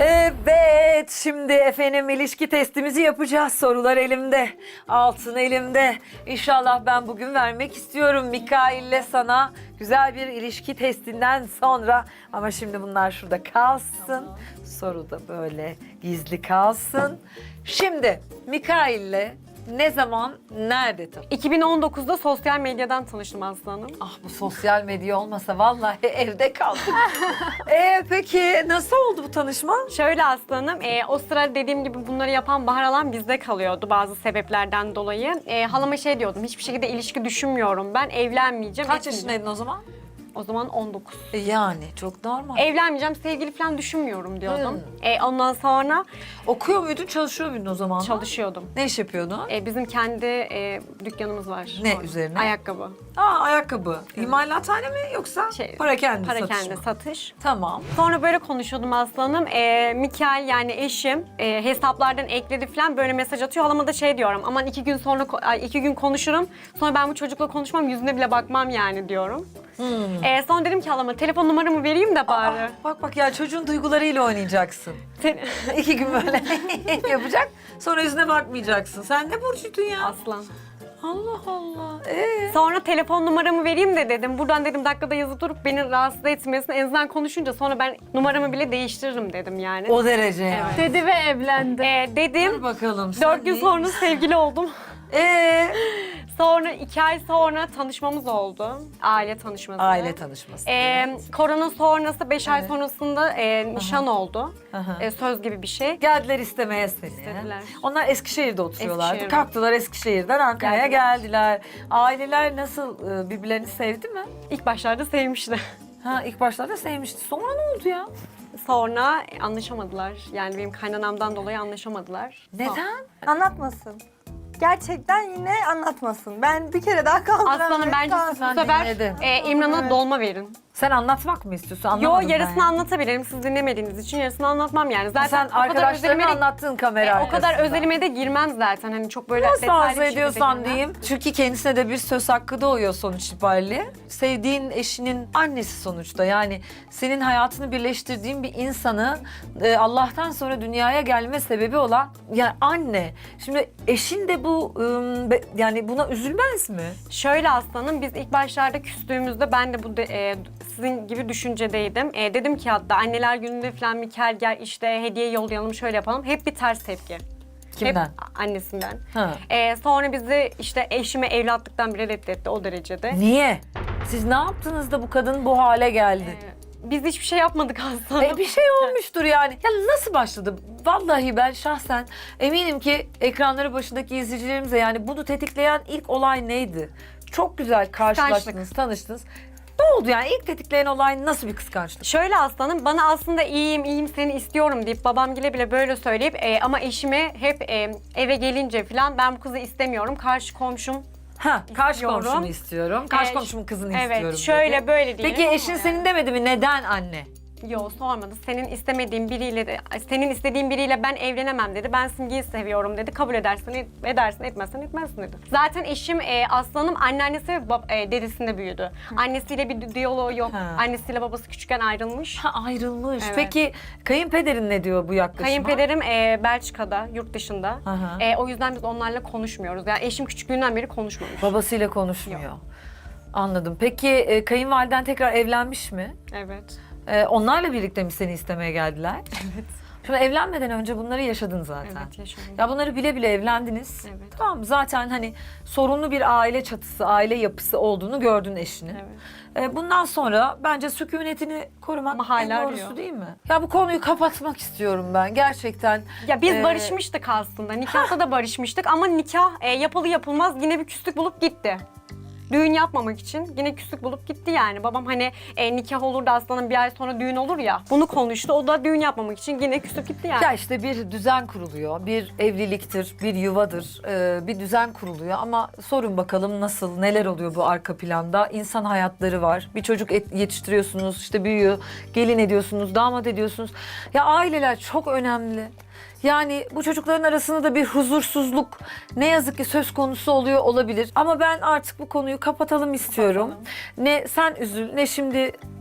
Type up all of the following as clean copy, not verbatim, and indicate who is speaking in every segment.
Speaker 1: Evet, şimdi efendim ilişki testimizi yapacağız. Sorular elimde, altın elimde. İnşallah ben bugün vermek istiyorum Mikail'le sana güzel bir ilişki testinden sonra. Ama şimdi bunlar şurada kalsın. Soru da böyle gizli kalsın. Şimdi Mikail'le ne zaman, nerede tanıştın?
Speaker 2: 2019'da sosyal medyadan tanıştım Aslı Hanım.
Speaker 1: Ah, bu sosyal medya olmasa vallahi evde kaldık. Peki nasıl oldu bu tanışma?
Speaker 2: Şöyle Aslı Hanım, o sıra dediğim gibi bunları yapan Bahar Halam bizde kalıyordu bazı sebeplerden dolayı. Halama şey diyordum, hiçbir şekilde ilişki düşünmüyorum ben, evlenmeyeceğim.
Speaker 1: Kaç
Speaker 2: etmeyeceğim.
Speaker 1: yaşındaydın o zaman?
Speaker 2: O zaman 19.
Speaker 1: Yani çok normal.
Speaker 2: Evlenmeyeceğim, sevgili falan düşünmüyorum diyordum. Ondan sonra
Speaker 1: Okuyor muydun, çalışıyor muydun o zaman?
Speaker 2: çalışıyordum.
Speaker 1: Ne iş yapıyordun?
Speaker 2: Bizim kendi dükkanımız var.
Speaker 1: Ne
Speaker 2: Orada.
Speaker 1: üzerine?
Speaker 2: Ayakkabı.
Speaker 1: Ayakkabı. İmalathane mi yoksa para kendi
Speaker 2: Para
Speaker 1: satış
Speaker 2: kendi
Speaker 1: mı?
Speaker 2: satış.
Speaker 1: Tamam.
Speaker 2: Sonra böyle konuşuyordum aslanım. Mikael yani eşim hesaplardan ekledi falan böyle mesaj atıyor. Halama da şey diyorum. Aman 2 gün sonra 2 gün konuşurum. Sonra ben bu çocukla konuşmam, yüzüne bile bakmam yani diyorum. Sonra dedim ki halama telefon numaramı vereyim de bari.
Speaker 1: Bak ya, çocuğun duygularıyla oynayacaksın. 2 gün böyle yapacak, sonra yüzüne bakmayacaksın. Sen ne burcuydun ya?
Speaker 2: Aslan.
Speaker 1: Allah Allah.
Speaker 2: Sonra telefon numaramı vereyim de dedim. Buradan dedim dakikada yazıp durup beni rahatsız etmesin. En azından konuşunca sonra ben numaramı bile değiştiririm dedim yani.
Speaker 1: O derece yani.
Speaker 3: Dedi ve evlendi.
Speaker 2: Dedim.
Speaker 1: Dur bakalım.
Speaker 2: 4 gün sonra sevgili oldum. Sonra 2 ay sonra tanışmamız oldu. Aile tanışması.
Speaker 1: Aile tanışması.
Speaker 2: Korona sonrası 5 ay sonrasında nişan oldu. Söz gibi bir şey.
Speaker 1: Geldiler istemeye seni.
Speaker 2: İstediler.
Speaker 1: Onlar Eskişehir'de oturuyorlardı.
Speaker 2: Eskişehir'de.
Speaker 1: Kalktılar Eskişehir'den Ankara'ya geldiler. Aileler nasıl, birbirlerini sevdi mi?
Speaker 2: İlk başlarda sevmişti.
Speaker 1: İlk başlarda sevmişti. Sonra ne oldu ya?
Speaker 2: Sonra anlaşamadılar. Yani benim kaynanamdan dolayı anlaşamadılar.
Speaker 1: Neden?
Speaker 4: Anlatmasın. Gerçekten yine anlatmasın. Ben bir kere daha kaldıramıyorum.
Speaker 2: Aslanım bence
Speaker 4: Tamam.
Speaker 2: siz bu
Speaker 1: Ben
Speaker 2: sefer
Speaker 1: dinledim.
Speaker 2: İmran'a dolma verin.
Speaker 1: Sen anlatmak mı istiyorsun?
Speaker 2: Yo,
Speaker 1: Anlamadım ben
Speaker 2: yarısını
Speaker 1: ya.
Speaker 2: anlatabilirim. Siz dinlemediğiniz için yarısını anlatmam yani. Zaten
Speaker 1: Sen
Speaker 2: o kadar
Speaker 1: arkadaşlarına
Speaker 2: özelime de,
Speaker 1: anlattığın kamera
Speaker 2: o kadar
Speaker 1: arkasında.
Speaker 2: özelime de girmem zaten. Hani çok böyle
Speaker 1: Nasıl
Speaker 2: detaylı bir
Speaker 1: arzu
Speaker 2: şekilde
Speaker 1: ediyorsan
Speaker 2: girmem.
Speaker 1: diyeyim. Çünkü kendisine de bir söz hakkı doğuyor sonuç itibariyle. Sevdiğin eşinin annesi sonuçta. Yani senin hayatını birleştirdiğin bir insanı Allah'tan sonra dünyaya gelme sebebi olan yani anne. Şimdi eşin de bu yani buna üzülmez mi?
Speaker 2: Şöyle aslanım, biz ilk başlarda küstüğümüzde ben de bu sizin gibi düşüncedeydim. Dedim ki hatta anneler gününde falan Mikael gel işte hediye yollayalım şöyle yapalım. Hep bir ters tepki.
Speaker 1: Kimden?
Speaker 2: Hep annesinden.
Speaker 1: Ha.
Speaker 2: Sonra bizi işte eşime evlatlıktan bile reddetti o derecede.
Speaker 1: Niye? Siz ne yaptınız da bu kadın bu hale geldi?
Speaker 2: Biz hiçbir şey yapmadık aslında.
Speaker 1: Bir şey olmuştur yani. Ya nasıl başladı? Vallahi ben şahsen eminim ki ekranları başındaki izleyicilerimize yani bunu tetikleyen ilk olay neydi? Çok güzel karşılaştınız, tanıştınız. Ne oldu yani? İlk tetikleyen olay nasıl bir kıskançlık?
Speaker 2: Şöyle aslanım, bana aslında iyiyim seni istiyorum deyip babam bile böyle söyleyip ama eşime hep eve gelince falan ben bu kızı istemiyorum. Karşı komşum
Speaker 1: Karşı
Speaker 2: İstiyorum.
Speaker 1: komşumu istiyorum. Karşı
Speaker 2: Ee,
Speaker 1: komşumun kızını
Speaker 2: evet,
Speaker 1: istiyorum
Speaker 2: şöyle
Speaker 1: dedi.
Speaker 2: böyle diyelim
Speaker 1: Peki
Speaker 2: ama
Speaker 1: eşin
Speaker 2: yani.
Speaker 1: senin demedi mi? Neden anne?
Speaker 2: Yok sormadı. Senin istemediğin biriyle de, senin istediğin biriyle ben evlenemem dedi. Ben Simge'yi seviyorum dedi. Kabul edersen edersin, etmezsen etmezsin dedi. Zaten eşim aslanım anneannesi ve dedesinde büyüdü. Annesiyle bir diyaloğu yok. Annesiyle babası küçükken ayrılmış.
Speaker 1: Ayrılmış.
Speaker 2: Evet.
Speaker 1: Peki kayınpederin ne diyor bu yaklaşıma?
Speaker 2: Kayınpederim Belçika'da, yurt dışında.
Speaker 1: Aha.
Speaker 2: O yüzden biz onlarla konuşmuyoruz. Yani eşim küçüklüğünden beri konuşmamış.
Speaker 1: Babasıyla konuşmuyor. Anladım. Peki kayınvaliden tekrar evlenmiş mi?
Speaker 2: Evet.
Speaker 1: Onlarla birlikte mi seni istemeye geldiler? Evet. Şimdi evlenmeden önce bunları yaşadın zaten.
Speaker 2: Evet yaşadım.
Speaker 1: Ya bunları bile bile evlendiniz.
Speaker 2: Evet.
Speaker 1: Tamam, zaten hani sorunlu bir aile çatısı, aile yapısı olduğunu gördün eşinin.
Speaker 2: Evet.
Speaker 1: Bundan sonra bence sükunetini korumak
Speaker 2: Ama hala
Speaker 1: en doğrusu
Speaker 2: arıyor.
Speaker 1: değil mi? Ya bu konuyu kapatmak istiyorum ben gerçekten.
Speaker 2: Ya biz barışmıştık aslında. Nikahta da barışmıştık ama nikah yapılı yapılmaz yine bir küslük bulup gitti. Düğün yapmamak için yine küslük bulup gitti yani. Babam hani nikah olur da aslanın bir ay sonra düğün olur ya. Bunu konuştu. O da düğün yapmamak için yine küslük gitti yani.
Speaker 1: Ya işte bir düzen kuruluyor, bir evliliktir, bir yuvadır, bir düzen kuruluyor ama sorun bakalım nasıl, neler oluyor bu arka planda? İnsan hayatları var, bir çocuk yetiştiriyorsunuz, işte büyüyor, gelin ediyorsunuz, damat ediyorsunuz. Ya aileler çok önemli. Yani bu çocukların arasında da bir huzursuzluk ne yazık ki söz konusu oluyor olabilir. Ama ben artık bu konuyu kapatalım istiyorum. Ne sen üzül, ne şimdi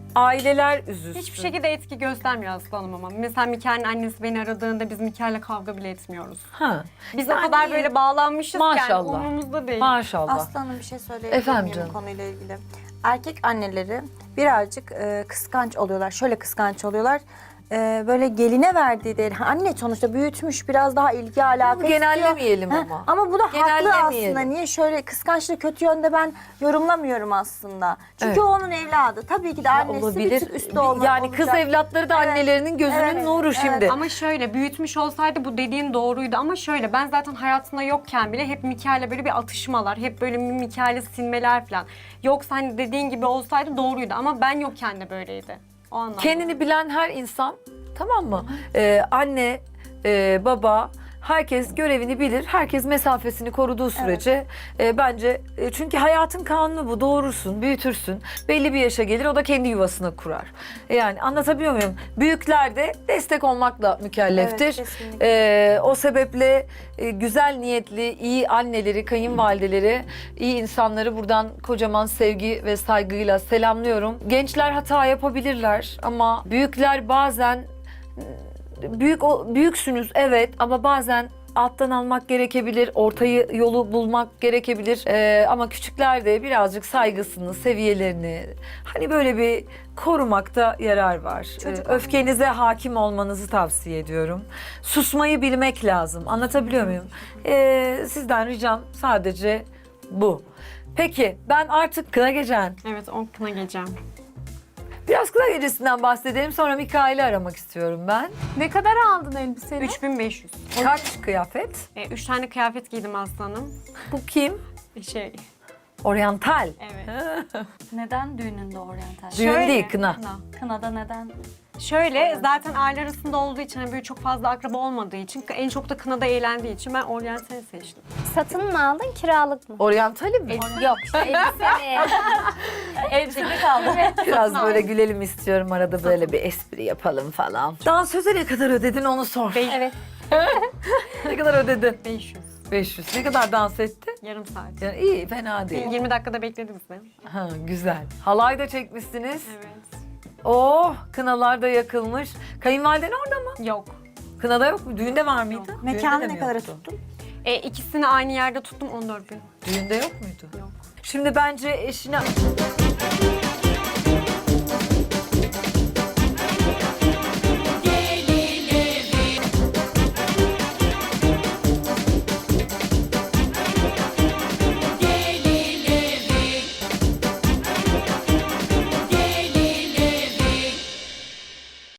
Speaker 1: aileler üzülsün.
Speaker 2: Hiçbir şekilde etki göstermiyor aslanım ama. Mesela Mikail'in annesi beni aradığında biz Mikail'le kavga bile etmiyoruz.
Speaker 1: Ha.
Speaker 2: Biz o kadar böyle bağlanmışız ki yani
Speaker 1: Maşallah.
Speaker 2: umurumuzda değil.
Speaker 1: Maşallah.
Speaker 4: Aslanım bir şey söyleyebilir
Speaker 1: Efendim
Speaker 4: miyim
Speaker 1: canım.
Speaker 4: bu konuyla ilgili? Erkek anneleri birazcık kıskanç oluyorlar. Şöyle kıskanç oluyorlar. Böyle geline verdiği değil. Anne sonuçta büyütmüş, biraz daha ilgi alaka istiyor.
Speaker 1: Genellemeyelim
Speaker 4: Ha,
Speaker 1: ama.
Speaker 4: Ama bu da haklı
Speaker 1: Genellemeyelim.
Speaker 4: aslında. Niye şöyle kıskançlığı kötü yönde ben yorumlamıyorum aslında. Çünkü
Speaker 1: Evet.
Speaker 4: o onun evladı. Tabii ki de annesi bir tık üstte olmak
Speaker 1: Yani kız
Speaker 4: olacak.
Speaker 1: evlatları da
Speaker 4: Evet.
Speaker 1: annelerinin gözünün
Speaker 4: Evet.
Speaker 1: nuru
Speaker 4: Evet.
Speaker 1: şimdi.
Speaker 2: Ama şöyle büyütmüş olsaydı bu dediğin doğruydu ama şöyle ben zaten hayatında yokken bile hep Mikail'le böyle bir atışmalar, hep böyle Mikail'i silmeler falan. Yoksa hani dediğin gibi olsaydı doğruydu ama ben yokken de böyleydi. O anlamda.
Speaker 1: Kendini bilen her insan, tamam mı? Anne, baba, herkes görevini bilir. Herkes mesafesini koruduğu sürece bence çünkü hayatın kanunu bu. Doğurursun, büyütürsün. Belli bir yaşa gelir o da kendi yuvasını kurar. Yani anlatabiliyor muyum? Büyükler de destek olmakla mükelleftir.
Speaker 4: Evet, kesinlikle.
Speaker 1: O sebeple güzel niyetli, iyi anneleri, kayınvalideleri, iyi insanları buradan kocaman sevgi ve saygıyla selamlıyorum. Gençler hata yapabilirler ama büyükler bazen büyüksünüz evet ama bazen alttan almak gerekebilir, ortayı yolu bulmak gerekebilir. Ama küçükler de birazcık saygısını, seviyelerini hani böyle bir korumakta yarar var. Öfkenize hakim olmanızı tavsiye ediyorum. Susmayı bilmek lazım. Anlatabiliyor muyum? Sizden ricam sadece bu. Peki ben artık kına gecen.
Speaker 2: Evet o kına geleceğim.
Speaker 1: Biraz kına gecesinden bahsedelim sonra Mikail'i aramak istiyorum ben.
Speaker 3: Ne kadar aldın elbiseni?
Speaker 2: 3500.
Speaker 1: Kaç kıyafet?
Speaker 2: 3 tane kıyafet giydim aslanım.
Speaker 1: Bu kim?
Speaker 2: Şey,
Speaker 1: Oryantal.
Speaker 2: evet.
Speaker 5: Neden düğününde oryantal?
Speaker 1: Düğün
Speaker 2: Şöyle,
Speaker 1: değil, kına.
Speaker 5: Kınada neden?
Speaker 2: Şöyle zaten aile arasında olduğu için hani böyle çok fazla akraba olmadığı için en çok da kınada eğlendiği için ben oryantal seçtim.
Speaker 3: Satın mı aldın, kiralık mı?
Speaker 1: Oryantali mi?
Speaker 3: Yok, işte elbiseni.
Speaker 5: Elbiseli kaldı.
Speaker 1: Biraz böyle gülelim istiyorum arada böyle bir espri yapalım falan. Dansöze ne kadar ödedin onu sor.
Speaker 3: Evet.
Speaker 1: Ne kadar ödedin?
Speaker 2: 500.
Speaker 1: 500. Ne kadar dans etti?
Speaker 2: Yarım saat.
Speaker 1: Yani iyi, fena değil.
Speaker 2: 20 dakikada bekledi bizi.
Speaker 1: Ha, güzel. Halay da çekmişsiniz.
Speaker 2: Evet.
Speaker 1: Oh, kınalar da yakılmış. Kayınvaliden orada mı?
Speaker 2: Yok.
Speaker 1: Kınada yok mu? Düğünde var mıydı? Düğünde
Speaker 4: Mekanı
Speaker 1: de
Speaker 4: ne
Speaker 1: mi
Speaker 4: kadar
Speaker 1: yoktu?
Speaker 4: tuttun?
Speaker 2: İkisini aynı yerde tuttum 14 bin.
Speaker 1: Düğünde yok muydu?
Speaker 2: Yok.
Speaker 1: Şimdi bence eşine